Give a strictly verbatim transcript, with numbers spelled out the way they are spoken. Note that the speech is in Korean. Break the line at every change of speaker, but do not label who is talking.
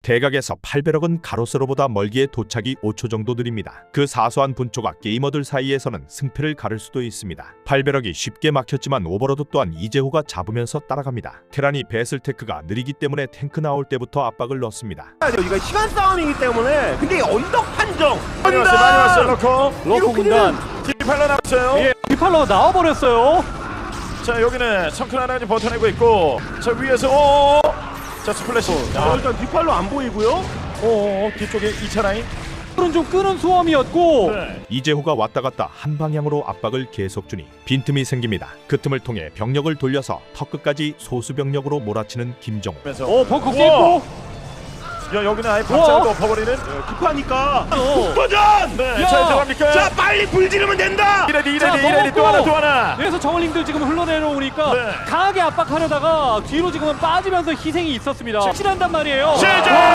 대각에서 팔배럭은 가로세로보다 멀기에 도착이 오 초 정도 느립니다. 그 사소한 분초가 게이머들 사이에서는 승패를 가를 수도 있습니다. 팔배럭이 쉽게 막혔지만 오버로드 또한 이재호가 잡으면서 따라갑니다. 테란이 배슬테크가 느리기 때문에 탱크 나올 때부터 압박을 넣습니다.
이거 시간 싸움이기 때문에 근데 언덕 판정
많이 왔어요. 많이 왔어요. 러커.
러커 군단.
디팔러 나왔어요.
예, 디팔러 나와버렸어요.
자 여기는 성큰 하나 좀 버텨내고 있고 자 위에서 오. 자 스플래시.
자, 일단 뒷발로 안 보이고요.
오 뒤쪽에 이 차 라인.
오늘은 좀 끄는 수험이었고
네.
이재호가 왔다 갔다 한 방향으로 압박을 계속 주니 빈틈이 생깁니다. 그 틈을 통해 병력을 돌려서 턱끝까지 소수병력으로 몰아치는 김정우.
그래서
어 벙커
우와!
깼고
야 여기는 아예
우와!
박자도 엎어버리는.
급하니까
어.
도전!
네.
야!
자 들어갑니까?
자 빨리 불 지르면 된다!
이레디
자,
이레디 이레디 또
먹었고!
하나 또 하나.
그래서 저글링들 지금 흘러내려오니까
네.
강하게 압박하려다가 뒤로 지금은 빠지면서 희생이 있었습니다. 실한단 말이에요.
시작!